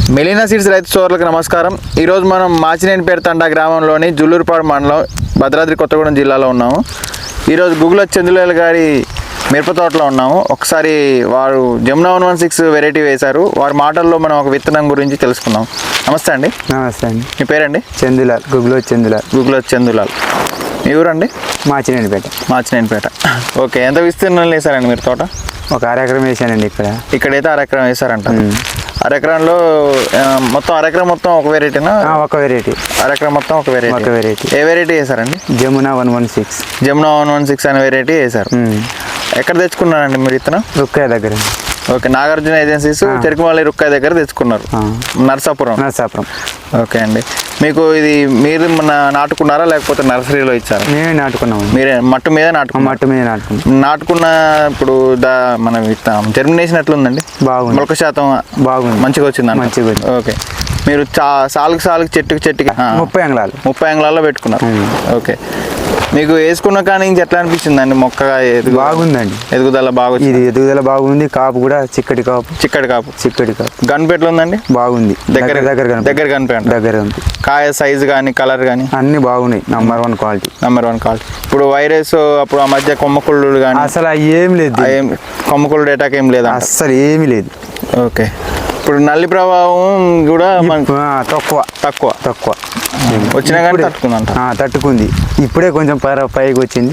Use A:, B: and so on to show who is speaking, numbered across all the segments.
A: Melina seeds రైతు సోదరులకు నమస్కారం. ఈరోజు మనం మాచినేనిపేట తండా గ్రామంలోని జుల్లూరుపాడు మండలం భద్రాద్రి కొత్తగూడెం జిల్లాలో ఉన్నాము. ఈరోజు గుగ్గుల చందులాల్ గారి మిరప తోటలో ఉన్నాము. ఒకసారి వారు జమునా 116 వెరైటీ వేశారు. వారి మాటల్లో మనం ఒక విత్తనం గురించి తెలుసుకుందాం. నమస్తే అండి.
B: నమస్తే అండి.
A: మీ పేరండి?
B: చందులాల్, గుగ్గుల చందులాల్.
A: గుగ్గుల చందులాల్. మీ ఊరండి?
B: మాచినేనిపేట.
A: ఓకే, ఎంత విస్తీర్ణం వేశారండి మీరు తోట?
B: ఒక అరెకరం వేసానండి.
A: ఇక్కడైతే అరెకరం వేశారంట. అరెకరంలో మొత్తం అరెకరం మొత్తం ఒక వెరైటీనా?
B: ఒక వెరైటీ.
A: అరెకరం మొత్తం ఒక వెరైటీ. ఏ వెరైటీ వేశారండి?
B: జమునా 116.
A: జమునా 116 అనే వెరైటీ వేశారు. ఎక్కడ తెచ్చుకున్నారండి మీరు ఇతను?
B: రుక్కయ్య దగ్గర.
A: ఓకే, నాగార్జున ఏజెన్సీస్ చెరుకుమల్లి రుక్కయ్య దగ్గర తెచ్చుకున్నారు. నర్సాపురం. ఓకే అండి. మీకు ఇది మీరు నాటుకున్నారా లేకపోతే నర్సరీలో ఇచ్చారా?
B: మేమే నాటుకున్నాము.
A: మీరే మట్టు మీద నాటుకున్న ఇప్పుడు మన జర్మినేషన్ ఎట్లుందండి?
B: బాగుంది.
A: మొలక శాతం
B: బాగుంది,
A: మంచిగా వచ్చింది. ఓకే, మీరు సాలుకి చెట్టుకి
B: 30 అంగుళాలు
A: 30 అంగుళాల్లో పెట్టుకున్నారు. ఓకే, మీకు వేసుకున్న కానీ నుంచి ఎట్లా అనిపించిందండి? మొక్క
B: బాగుందండి,
A: ఎదుగుదల బాగా.
B: ఇది ఎదుగుదల బాగుంది. కాపు కూడా చిక్కటి కాపు.
A: గన్పు ఎట్లా ఉందండి?
B: బాగుంది. దగ్గర
A: దగ్గర కాయ సైజు కానీ కలర్ కానీ
B: అన్ని బాగున్నాయి. Number one quality.
A: ఇప్పుడు వైరస్ అప్పుడు ఆ మధ్య కొమ్మకుళ్ళు కానీ
B: అసలు ఏం లేదు.
A: కొమ్మకుళ్ళు అటాక్ ఏం లేదు,
B: అసలు ఏమీ లేదు.
A: ఓకే, ఇప్పుడు నల్లి ప్రభావం కూడా తక్కువ వచ్చినా కానీ
B: తట్టుకుంది. ఇప్పుడే కొంచెం పైకి వచ్చింది.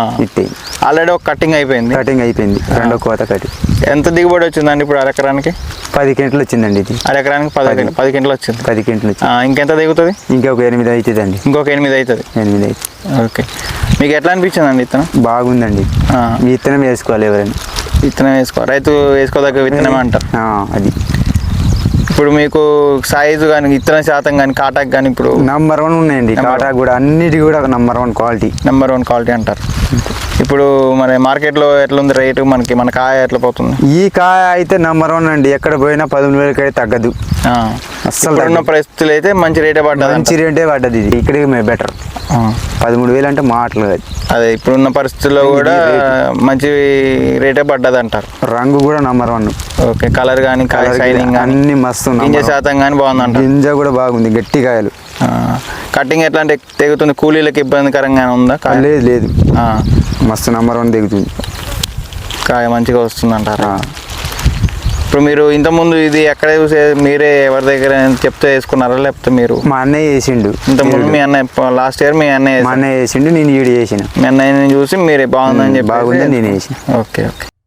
A: ఆల్రెడీ ఒక కటింగ్ అయిపోయింది.
B: రెండో కోత కట్టి.
A: ఎంత దిగుబడి వచ్చిందండి ఇప్పుడు అరెకరానికి?
B: 10 క్వింటలు వచ్చిందండి. ఇది
A: అరెకరానికి 10 క్వింటలు వచ్చింది.
B: 10 క్వింటలు.
A: ఇంకెంత దిగుతుంది?
B: ఇంకొక 8 అవుతుంది అండి.
A: ఇంకొక 8 అవుతుంది. ఓకే, మీకు ఎట్లా అనిపించిందండి విత్తనం?
B: బాగుందండి. విత్తనం వేసుకోవాలి ఎవరైనా.
A: రైతు వేసుకోదగ్గ విత్తనం అంటారు
B: అది.
A: ఇప్పుడు మీకు సైజు కానీ విత్తన శాతం కానీ కాటాక్ కానీ ఇప్పుడు
B: నంబర్ 1 ఉన్నాయండి. కాటాక్ కూడా అన్నిటి కూడా నంబర్ 1 క్వాలిటీ అంటారు.
A: ఇప్పుడు మరి మార్కెట్లో ఎట్లా ఉంది రేటు? మన కాయ ఎట్లా పోతుంది?
B: ఈ కాయ అయితే నంబర్ 1 అండి. ఎక్కడ పోయినా 13,000 అయితే తగ్గదు.
A: అసలు ఉన్న పరిస్థితులు అయితే మంచి రేటే
B: పడ్డది. ఇది ఇక్కడికి బెటర్. 13,000 అంటే మాటలు కాదు.
A: అదే ఇప్పుడున్న పరిస్థితుల్లో కూడా మంచి రేటే పడ్డది అంటారు.
B: రంగు కూడా నంబర్ 1.
A: ఓకే, కలర్ కానీ కాయ షైనింగ్
B: అన్ని మస్తు.
A: గింజ శాతం కానీ బాగుందంట.
B: గింజ కూడా బాగుంది, గట్టి కాయలు.
A: కటింగ్ ఎట్లా అంటే తెగుతుంది? కూలీలకు ఇబ్బందికరంగానే ఉందా?
B: లేదు, మస్తు నంబర్ 1 తెగుతుంది.
A: కాయ మంచిగా వస్తుంది అంటారా? ఇప్పుడు మీరు ఇంతకుముందు ఇది ఎక్కడ మీరే ఎవరి దగ్గర చెప్తే వేసుకున్నారా లేకపోతే మీరు?
B: మా అన్నయ్య వేసిండు.
A: ఇంతకుముందు మీ అన్నయ్య లాస్ట్ ఇయర్ మీ అన్నయ్య
B: వేసిండు, నేను ఈడు చేసిన.
A: మీ అన్నయ్యని చూసి మీరే బాగుందని చెప్పి
B: బాగుందని నేను వేసిన.
A: ఓకే.